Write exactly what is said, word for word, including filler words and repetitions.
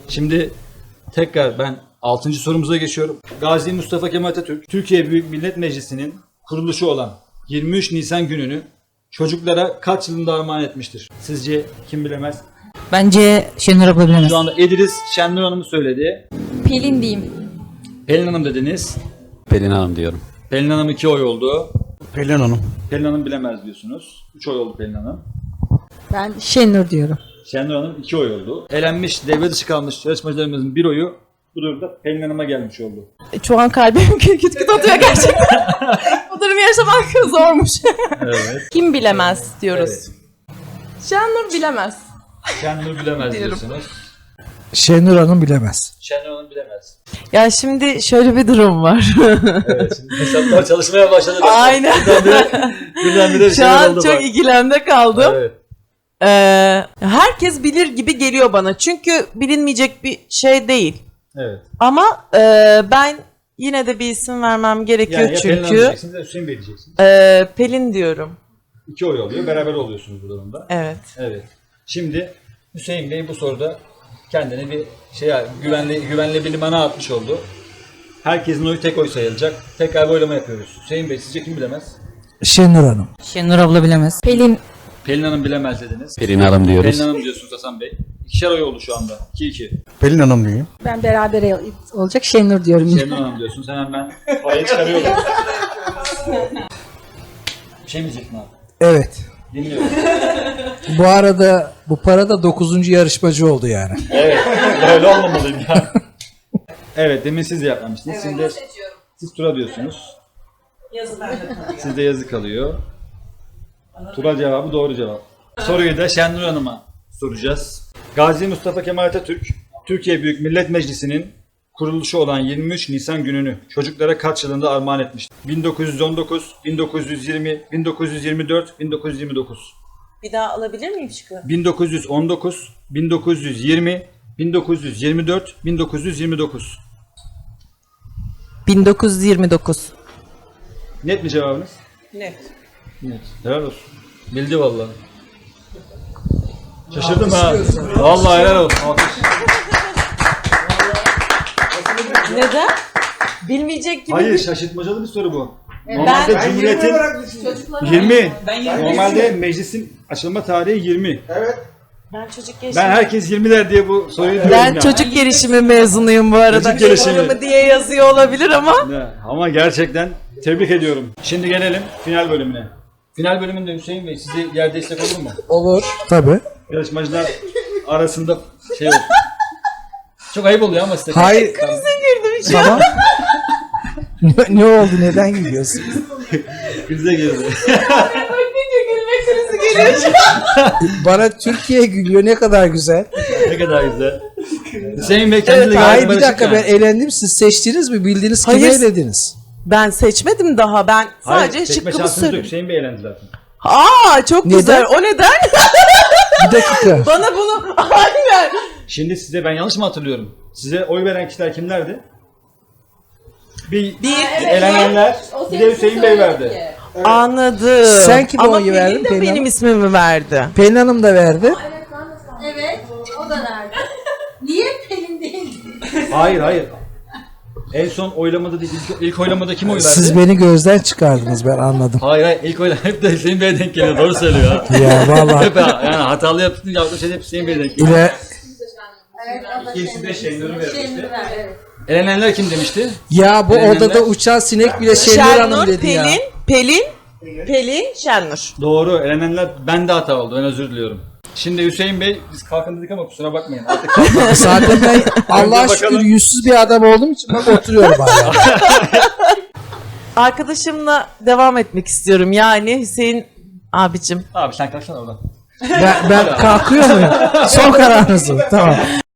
Şimdi tekrar ben altıncı sorumuza geçiyorum. Gazi Mustafa Kemal Atatürk, Türkiye Büyük Millet Meclisi'nin kuruluşu olan yirmi üç Nisan gününü çocuklara kaç yılında armağan etmiştir? Sizce kim bilemez? Bence Şenur abla bilemez. Şu anda Edris Şenur Hanım'ı söyledi. Pelin diyeyim. Pelin Hanım dediniz. Pelin Hanım diyorum. Pelin Hanım iki oy oldu. Pelin Hanım. Pelin Hanım bilemez diyorsunuz. üç oy oldu Pelin Hanım. Ben Şenur diyorum. Şenur Hanım iki oy oldu. Elenmiş, devre dışı kalmış yarışmacılarımızın bir oyu bu durumda Pelin Hanım'a gelmiş oldu. Şu an kalbim küt küt küt atıyor gerçekten. Bu durumu yaşamak zormuş. Evet. Kim bilemez diyoruz. Evet. Şenur bilemez. Şenur bilemez Diyorum. diyorsunuz. Şenur Hanım bilemez. Şenur Hanım bilemez. Ya şimdi şöyle bir durum var. Evet, şimdi hesaplar çalışmaya başladı. Aynen. Birdenbire, birdenbire bir Şu şeyler an oldu çok bak. ikilemde kaldım. Evet. Ee, herkes bilir gibi geliyor bana. Çünkü bilinmeyecek bir şey değil. Evet. Ama e, ben yine de bir isim vermem gerekiyor Yani ya Pelin Hanım çünkü. diyeceksiniz ya Hüseyin Bey diyeceksiniz. E, Pelin diyorum. İki oy oluyor. Beraber oluyorsunuz bu durumda. Evet. Evet. Şimdi Hüseyin Bey bu soruda kendini bir şey güvenli güvenli bir limana atmış oldu. Herkesin oyu tek oy sayılacak. Tekrar bir oylama yapıyoruz. Hüseyin Bey sizce kim bilemez? Şenur Hanım. Şenur abla bilemez. Pelin. Pelin Hanım bilemez dediniz. Pelin Hanım diyoruz. Pelin Hanım diyorsunuz Hasan Bey. İkişer oy oldu şu anda. iki iki. Pelin Hanım diyeyim. Ben beraber olacak Şenur diyorum. Şenur Hanım diyorsunuz. Hemen ben parayı çıkarıyorum. Bir şey mi diyecektin abi? Evet. Dinliyorum. Bu arada bu para da dokuzuncu yarışmacı oldu yani. Evet. Böyle olmamalıyım ya. Evet. Demin siz de yapmamıştınız. Şimdi siz Tura diyorsunuz. Sizde yazı kalıyor. Tura cevabı doğru cevap. Soruyu da Şenur Hanım'a soracağız. Gazi Mustafa Kemal Atatürk, Türkiye Büyük Millet Meclisi'nin kuruluşu olan yirmi üç Nisan gününü çocuklara kaç yılında armağan etmiştir? bin dokuz yüz on dokuz, bin dokuz yüz yirmi, bin dokuz yüz yirmi dört, bin dokuz yüz yirmi dokuz. Bir daha alabilir miyim şıkkı? bin dokuz yüz on dokuz, bin dokuz yüz yirmi, bin dokuz yüz yirmi dört, bin dokuz yüz yirmi dokuz. bin dokuz yüz yirmi dokuz. Net mi cevabınız? Net. Net. Helal olsun. Bildi vallahi. Şaşırdım ha. Vallahi helal olsun. Alkış. Neden? Bilmeyecek gibi. Hayır, şaşırtmacalı bir soru bu. Ben- Normalde Ben Cumhuriyet'in yirmi. Normalde meclisin açılma tarihi yirmi. Ben çocuk gelişimi. Ben herkes yirmi der diye bu soruyu diyorum Ben ya. çocuk gelişimi mezunuyum bu arada. Çocuk gelişimi. Programı diye yazıyor olabilir ama. Ne, Ama gerçekten tebrik ediyorum. Şimdi gelelim final bölümüne. Final bölümünde Hüseyin Bey size yer destek olur mu? Olur. Tabii. Yarışmacılar arasında şey olsun. Çok ayıp oluyor ama size. Hayır. Girdim şu Tamam. ne, ne oldu? Neden gülüyorsun? Krize girdi. Bakınca gülme krizi geliyor şu an. Bana Türkiye gülüyor. Ne kadar güzel. Ne kadar güzel. Hüseyin Bey kendini Evet, gayet hayır bir barışık dakika yani. ben elendim. Siz seçtiniz mi? Bildiniz kimi Hayır. elediniz? Ben seçmedim daha. Ben Hayır, sadece seçme şıkkımı şansınız yok. söylüyorum. Hüseyin Bey elendi zaten. Aa çok Neden? güzel. O neden? Bir dakika. Bana bunu aynen. Şimdi size ben yanlış mı hatırlıyorum? Size oy veren kişiler kimlerdi? Bir, Bir elenenler, bir de Hüseyin Bey verdi. anladım. Sen kime Ama oy verdin, Pelin de Pelin benim Hanım? ismimi verdi. Pelin Hanım da verdi. Evet, o da nerede? Niye Pelin değil? Hayır hayır. En son oylamada değil, ilk, ilk oylamada kim oy verdi? Siz beni gözden çıkardınız ben anladım. Hayır hayır, ilk oylamada hep de Hüseyin Bey'e denk geliyor, doğru söylüyor ha. Ya vallahi. Hep ha, yani hatalı yaptığın yaptığın şey hep Hüseyin Bey'e denk geliyor. İle, Evet, o da İkisi de Şenur'u vermişti. Şenur'u ver, evet. Elenenler kim demişti? ya bu Elenenler- odada uçan sinek bile Şenur Hanım Şenur, dedi Pelin, ya. Pelin, Pelin, Şenur. Doğru, elenenler bende hata oldu, ben özür diliyorum. Şimdi Hüseyin Bey, biz kalkın dedik ama kusura bakmayın. Artık kalkın. Zaten ben Allah'a Önce şükür bakalım. yüzsüz bir adam olduğum için bak oturuyorum hala. Arkadaşımla devam etmek istiyorum. Yani Hüseyin abicim. Abi sen kalksana oradan. Ben, ben kalkıyor muyum? Son kararınız mı? Tamam.